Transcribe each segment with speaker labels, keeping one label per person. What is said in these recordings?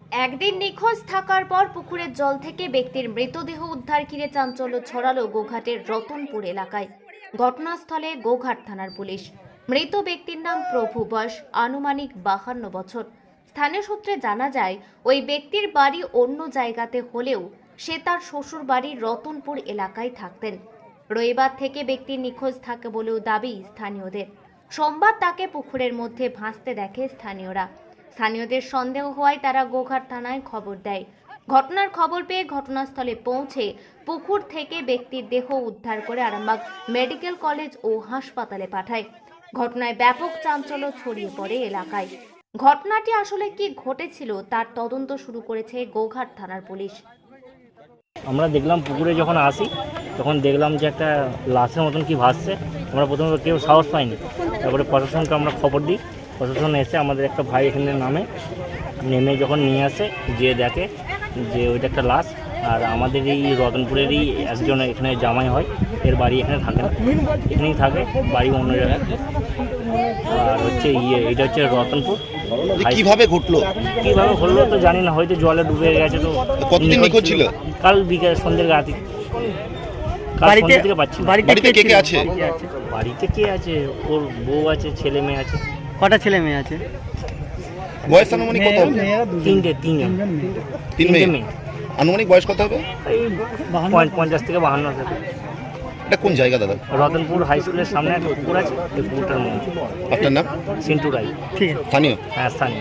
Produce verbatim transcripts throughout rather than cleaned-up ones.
Speaker 1: একদিন নিখোঁজ থাকার পর পুকুরের জল থেকে ব্যক্তির মৃতদেহ উদ্ধার ঘিরে চাঞ্চল্য ছড়ালো গোঘাটের রতনপুর এলাকায়। ঘটনাস্থলে গোঘাট থানার পুলিশ। মৃত ব্যক্তির নাম প্রভু, বয়স আনুমানিক বাহান্ন বছর। স্থানীয় সূত্রে জানা যায় ওই ব্যক্তির বাড়ি অন্য জায়গাতে হলেও সে তার শ্বশুর বাড়ির রতনপুর এলাকায় থাকতেন। রবিবার থেকে ব্যক্তির নিখোঁজ থাকে বলেও দাবি স্থানীয়দের। সোমবার তাকে পুকুরের মধ্যে ভাসতে দেখে স্থানীয়রা। স্থানীয়দের সন্দেহ হওয়ায় তারা গোঘাট থানায় খবর দেয়। ঘটনার খবর পেয়ে ঘটনাস্থলে পৌঁছে পুকুর থেকে ব্যক্তির দেহ উদ্ধার করে আরামবাগ মেডিকেল কলেজ ও হাসপাতালে পাঠায়। ঘটনায় ব্যাপক চাঞ্চল্য ছড়িয়ে পড়ে এলাকায়। ঘটনাটি আসলে কি ঘটেছিল তার তদন্ত শুরু করেছে গোঘাট থানার পুলিশ।
Speaker 2: আমরা দেখলাম পুকুরে যখন আসি তখন দেখলাম যে একটা লাশের মতন কি ভাসছে। আমরা প্রথমে কেউ সাহস পাইনি, তারপরে প্রশাসনকে আমরা খবর দিই। প্রশাসন এসে আমাদের একটা ভাই এখানে নামে নেমে যখন নিয়ে আসে, যে দেখে যে ওইটা একটা লাশ। আর আমাদের এই রতনপুরেরই একজন এখানে জামাই হয়, এর বাড়ি এখানে থাকে না, এখানেই থাকে, বাড়ি অন্য জায়গায়। আর হচ্ছে ইয়ে এটা হচ্ছে রতনপুর।
Speaker 3: কিভাবে ঘটলো
Speaker 2: কিভাবে ঘটলো তো জানি না, হয়তো জলে ডুবে গেছে। তো
Speaker 3: কতদিন নিখোঁজ ছিল?
Speaker 2: কাল বিকেল সন্ধ্যের রাতে।
Speaker 4: বাড়িতে
Speaker 2: থেকে পাচ্ছি না।
Speaker 4: বাড়িতে কে কে আছে?
Speaker 2: বাড়িতে কে আছে? ওর বউ আছে, ছেলে মেয়ে আছে।
Speaker 4: কটা ছেলে মেয়ে আছে?
Speaker 3: বয়স আনুমানিক কত হবে?
Speaker 2: তিনটে তিনজন
Speaker 3: তিন মেয়ে। আনুমানিক বয়স কত হবে?
Speaker 2: এই পঞ্চ- পঞ্চাশ থেকে বাহান্ন থেকে।
Speaker 3: এটা কোন জায়গা দাদা?
Speaker 2: রতনপুর হাই স্কুলের সামনে একটা পুকুর আছে, এই পুকুরটার মধ্যে।
Speaker 3: আপনার নাম?
Speaker 2: সিন্টু রাই।
Speaker 4: ঠিক আছে।
Speaker 3: স্থানীয়?
Speaker 2: হ্যাঁ, স্থানীয়।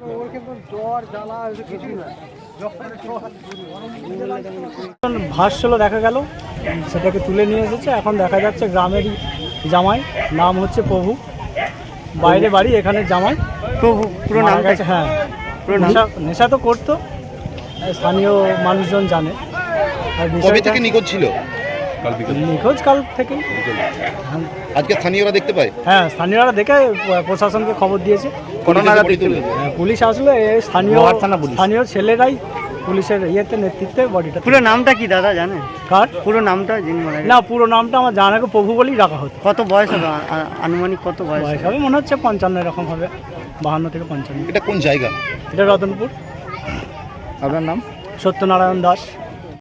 Speaker 5: ভাসছিল দেখা গেল, সেটাকে তুলে নিয়ে এসেছে। এখন দেখা যাচ্ছে গ্রামেরই জামাই, নাম হচ্ছে প্রভু, বাইরে বাড়ি, এখানে জামাই।
Speaker 4: প্রভু পুরো নাম
Speaker 5: মারা গেছে। হ্যাঁ,
Speaker 4: পুরো নাম?
Speaker 5: নেশা নেশা তো করতো, স্থানীয় মানুষজন জানে। আর
Speaker 3: কবে
Speaker 5: বিষয়টা
Speaker 3: থেকে নিখোঁজ ছিল?
Speaker 5: নিখোঁজ কাল থেকে।
Speaker 3: আজকে স্থানীয়রা দেখতে পায়?
Speaker 5: হ্যাঁ, স্থানীয়রা দেখে প্রশাসনকে খবর দিয়েছে।
Speaker 3: কটা নাগাদ দেখতে পেল?
Speaker 5: হ্যাঁ, পুলিশ আসলে এই স্থানীয়
Speaker 2: গোঘাট থানা পুলিশ।
Speaker 5: স্থানীয় ছেলেরাই পুলিশের ইয়েতে নেতৃত্বে বডিটা।
Speaker 4: পুরো নামটা কি দাদা জানেন?
Speaker 5: কার
Speaker 4: পুরো নামটা যিনি মারা গেছেন?
Speaker 5: না, পুরো নামটা আমার জানাকে প্রভু বলেই রাখা হতো।
Speaker 4: কত বয়স হবে? আ- আ- আনুমানিক কত বয়স?
Speaker 5: বয়স হবে মনে হচ্ছে পঞ্চান্ন, এরকম হবে, বাহান্ন থেকে পঞ্চান্ন।
Speaker 3: এটা কোন জায়গা?
Speaker 5: এটা রতনপুর।
Speaker 4: আপনার নাম?
Speaker 5: সত্যনারায়ণ দাস।